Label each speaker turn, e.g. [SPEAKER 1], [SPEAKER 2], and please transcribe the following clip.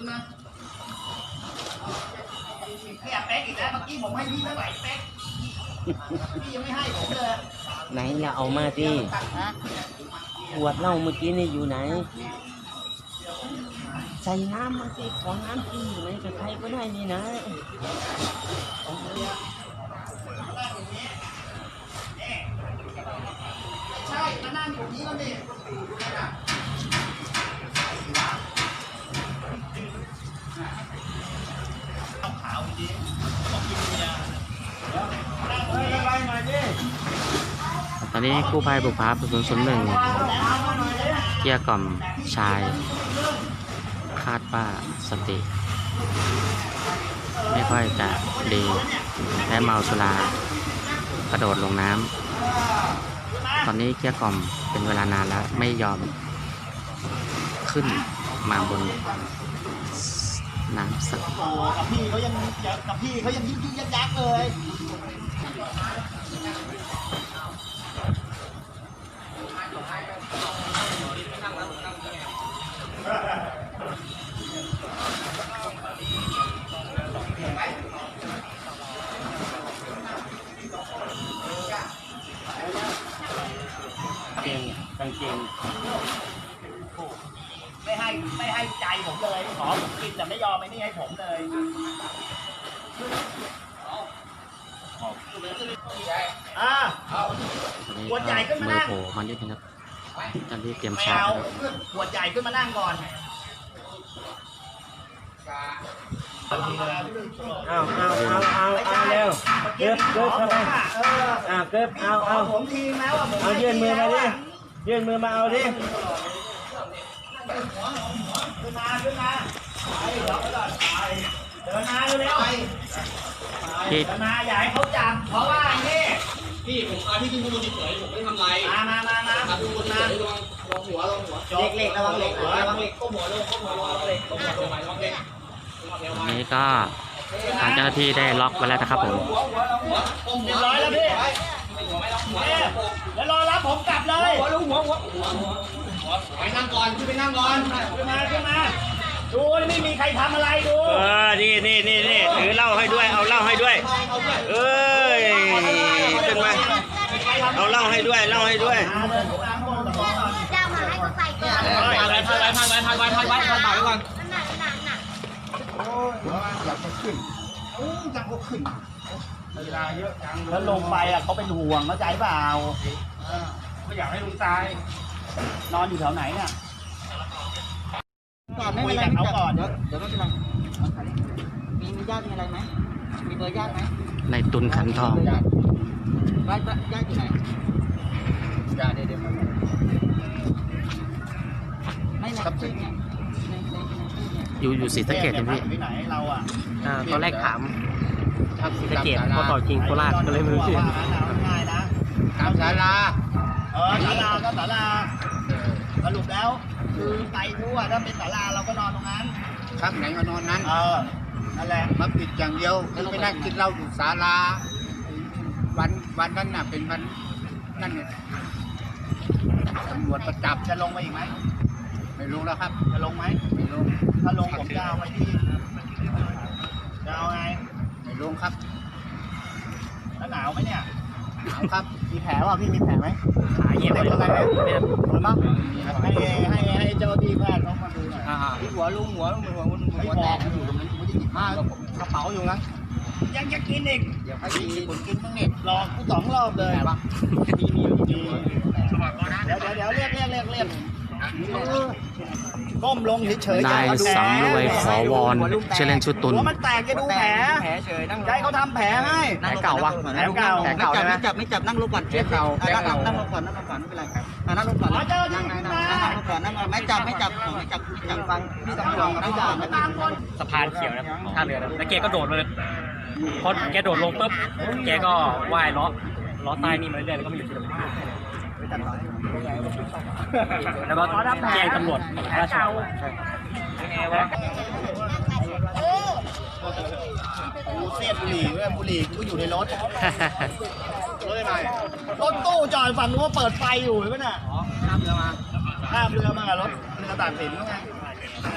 [SPEAKER 1] ขึ้นมาขยับแป๊กอีกแล้วเมื่อกี้ผมให้พี่เท่าไหร่แป๊กพี่ยังไม่ให้ผมเลย
[SPEAKER 2] ไหนเราเอามาดิขวดเหล้าเมื่อกี้นี่อยู่ไหนใส่น้ำมาสิของน้ำกินอยู่ไหนกับใครก็ได้นี่นะ
[SPEAKER 1] ใช่มานั่งอยู่นี้แล้วนี่ขาวจริงต้องกินเบียร์
[SPEAKER 2] ตอนนี้กู้ภัยบุพภา001เกลี้ยกล่อมชายคาดว่าสติไม่ค่อยจะดีและเมาสุรากระโดดลงน้ำตอนนี้เกลี้ยกล่อมเป็นเวลานานแล้วไม่ยอมขึ้นมาบนน้ำสัก
[SPEAKER 1] กับพี่เขายังยึกยักเลย
[SPEAKER 2] กางเกง
[SPEAKER 1] ไม่ให้ใจผมเลยขอผมกินแต่ไม่ยอมไอ้นี่ให้ผมเลยขวดใหญ่ขึ้นมานั่ง
[SPEAKER 2] โผล่มานิดนึงครับตอนที่เตรียมชาร์จ
[SPEAKER 1] ขวดใหญ่ขึ้นมานั่งก่อน
[SPEAKER 3] เอาเร็วเก็บเข้าไปเก็บเอา
[SPEAKER 1] ผมทีแล้ว
[SPEAKER 3] เอายื่นมือมาดิยื่นมือมาเอาดิ
[SPEAKER 1] ขึ้นมาไปเดินมาเร็วเดินมาอย่าให้เขาจับเพราะว่านี่
[SPEAKER 4] พี่ผมพาพี่ขึ้นข้างบนเฉยผมไม่ได้ทำไร
[SPEAKER 1] มา
[SPEAKER 4] พาขึ้นข้างบนเฉยระวังหัว
[SPEAKER 1] เล็กระวังเล็ก
[SPEAKER 4] ก้มหัวลงระวังเล็ก
[SPEAKER 2] นี้ก็ทางเจ้าหน้าที่ได้ล็อกไว้แล้วนะครับผม
[SPEAKER 1] เรียบร้อยแล้วพี่แล้วรอรับผมกลับเลย
[SPEAKER 4] หัวไปนั่งก่อนไปนั่งก่อน
[SPEAKER 1] ขึ้นมาดูไม่มีใครทำอะไรดู
[SPEAKER 3] นี่ถือเหล้าให้ด้วยเอาเหล้าให้ด้วยขึ้นมาเอาเหล้าให้ด้วยเจ้ามาให้
[SPEAKER 4] เขาใส่ก่อนทายก่อน
[SPEAKER 1] แล้วลงไปเขาเป็นห่วงเข้าใจเปล่า
[SPEAKER 4] ไม่อยากให้ลุงตาย
[SPEAKER 1] นอนอยู่แถวไหนเนี่ย
[SPEAKER 5] ก่อนไม่เป็นไรเขาก่อนเดี๋ยวไม่เป็นไรมีญาติมีอะไรไหมมีเบอร์ญาติไหม
[SPEAKER 2] ในตุนขันทอง
[SPEAKER 5] ญาติอยู่ไหน
[SPEAKER 4] ญาติเดี๋ยว
[SPEAKER 5] ไม่ไหนชื่อเนี่ย
[SPEAKER 2] อยู่ศรีสะเกษพี่
[SPEAKER 1] ที่ไหนเรา
[SPEAKER 2] ตอนแรกถามศรีสะเกษพอต่อจริงโคราชก็เลยไม่รู้ชื่อ
[SPEAKER 1] ง่ายนะ
[SPEAKER 4] ตามศาลา
[SPEAKER 1] ศาลาก็ศาลาสรุปแล้วคือไปทั่วถ้าเป็นศาลาเราก็นอนตรงนั้น
[SPEAKER 4] พักไหนก็นอนนั้น
[SPEAKER 1] นั่นแหละ
[SPEAKER 4] มาปิดอย่างเดียวคือไปนั่งกินเหล้าอยู่ศาลาวันนั้นน่ะเป็นวันนั่นเนี่ยตำรวจประจับ
[SPEAKER 1] จะลงมาอีกไหม
[SPEAKER 4] ไม่ลงแล้วครับ
[SPEAKER 1] จะลงไหม
[SPEAKER 4] ไม่ลง
[SPEAKER 1] ถ้าลงผมจะเอาไปที่จะเอาไง
[SPEAKER 4] ไม่ลงครับ
[SPEAKER 1] แล้วหนาวไหมเนี่ย
[SPEAKER 4] หนาวครับ
[SPEAKER 1] มีแผลป่ะพี่มีแผลไหม
[SPEAKER 2] ขาเย็บ
[SPEAKER 1] อะไรไหมโดนปะให้เจ้าที่แพทย์เขามาดูหน่อย
[SPEAKER 4] ที่หัวลุงหัวแตกอยู่ตรงนั้นผมจะหยิบผ้ากระเป๋าอยู่นะ
[SPEAKER 1] ยังจะกินอีก
[SPEAKER 4] เดี๋ยวให้ผมกินบ้างเนี่ย
[SPEAKER 1] หลอกกู2 รอบเลย
[SPEAKER 4] ปะมีเ
[SPEAKER 1] ดี๋ยวเรียกก้มลงเฉย
[SPEAKER 2] นายสำรวยขอวอนชื่อเล่นชื่อตุล
[SPEAKER 1] หัวมันแตกจะดูแผล
[SPEAKER 4] เฉยนั่ง
[SPEAKER 1] ใจเขาทำแผลให้
[SPEAKER 2] แผลเก่าวะ
[SPEAKER 1] แผลเก่า
[SPEAKER 5] ไม่จับนั่งลงก่อนนั่งลงก่อนไม่เป็นไรนั่งลงก่อนนั่งลงก่อนนั่งไม่จับฟังพี่ตำรวจไม่จับ
[SPEAKER 2] สะพานเขียวนะท่าเรือแล้วแกก็โดดเลยพอแกโดดลงปุ๊บแกก็ว่ายล้อใต้นี่มาเรื่อยๆแล้วก็มาอยู่ที่ตรงนี้แล้วก็แจ้งตำรวจราชวัฒน์
[SPEAKER 1] กูเสียบบุหรี่กูอยู่ในรถรถตู้จอดฝั่งนู้นเปิดไฟอยู่เห็นไหมน่ะข้ามเรือมากับรถเรือต่างถิ่นไง